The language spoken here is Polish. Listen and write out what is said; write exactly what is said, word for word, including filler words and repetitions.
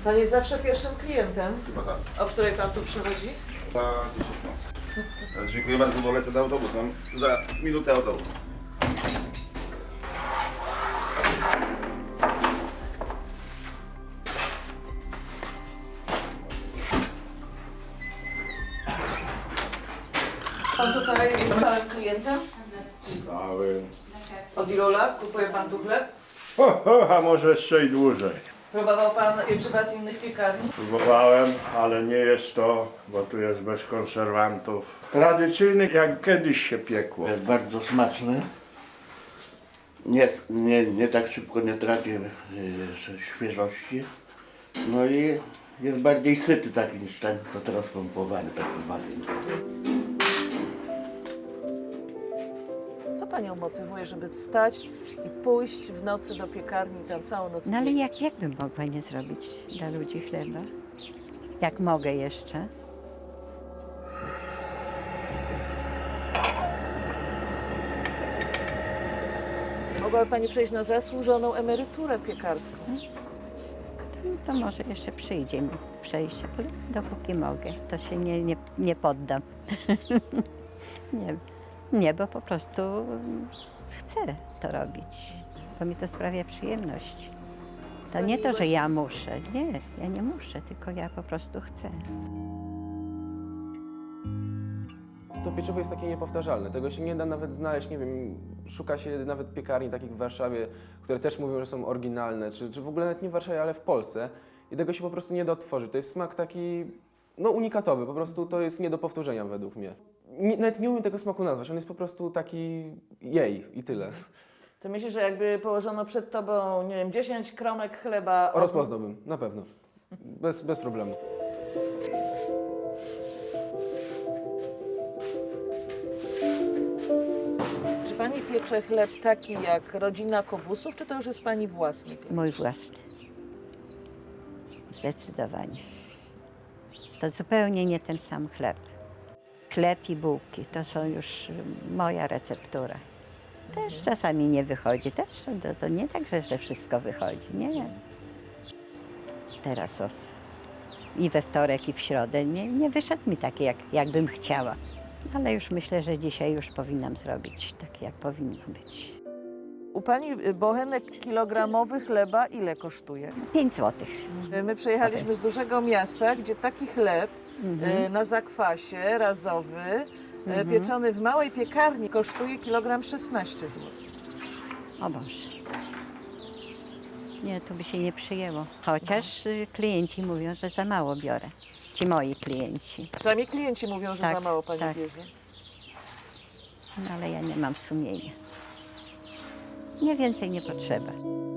Pan jest zawsze pierwszym klientem, Chyba tak. o której pan tu przychodzi? Za dziesięć minut. Dziękuję bardzo, bo lecę do autobusu. Mam za minutę autobus. Pan tutaj jest stałym klientem? Cały. Od ilu lat kupuje pan tu chleb? Ho, ho, a może jeszcze i dłużej. Próbował pan pieczywa z innych piekarni? Próbowałem, ale nie jest to, bo tu jest bez konserwantów. Tradycyjny, jak kiedyś się piekło. Jest bardzo smaczny. Nie, nie, nie tak szybko nie traci y, świeżości. No i jest bardziej syty taki niż ten, co teraz pompowany, taki zwany. Co panią motywuje, żeby wstać i pójść w nocy do piekarni i tam całą noc No ale piec? jak, jak bym mogła nie zrobić dla ludzi chleba? Jak mogę jeszcze? Mogłaby pani przejść na zasłużoną emeryturę piekarską. To, to może jeszcze przyjdzie mi przejść, ale dopóki mogę, to się nie, nie, nie poddam. nie, nie, bo po prostu chcę to robić, bo mi to sprawia przyjemność. To nie to, że ja muszę, nie, ja nie muszę, tylko ja po prostu chcę. To pieczywo jest takie niepowtarzalne, tego się nie da nawet znaleźć, nie wiem, szuka się nawet piekarni takich w Warszawie, które też mówią, że są oryginalne, czy, czy w ogóle nawet nie w Warszawie, ale w Polsce i tego się po prostu nie da odtworzyć. To jest smak taki, no unikatowy, po prostu to jest nie do powtórzenia według mnie. Nie, nawet nie umiem tego smaku nazwać, on jest po prostu taki jej i tyle. To myślisz, że jakby położono przed tobą, nie wiem, dziesięć kromek chleba... od- Rozpoznałbym, na pewno, bez, bez problemu. Czy pani piecze chleb taki jak rodzina Kobusów, czy to już jest pani własny piec? Mój własny. Zdecydowanie. To zupełnie nie ten sam chleb. Chleb i bułki to są już moja receptura. Też czasami nie wychodzi, też to, to nie tak, że, że wszystko wychodzi, nie. Teraz o, i we wtorek, i w środę nie, nie wyszedł mi taki, jak, jakbym chciała. Ale już myślę, że dzisiaj już powinnam zrobić tak, jak powinno być. U pani y, bochenek kilogramowy chleba ile kosztuje? Pięć złotych. Y, My przyjechaliśmy z dużego miasta, gdzie taki chleb y, na zakwasie razowy, y, pieczony w małej piekarni kosztuje kilogram szesnaście złotych. O Boże. Nie, to by się nie przyjęło. Chociaż y, klienci mówią, że za mało biorę. Ci moi klienci. Przynajmniej klienci mówią, że Tak, za mało pani tak. bierze. No ale ja nie mam sumienia. Nie więcej nie potrzeba.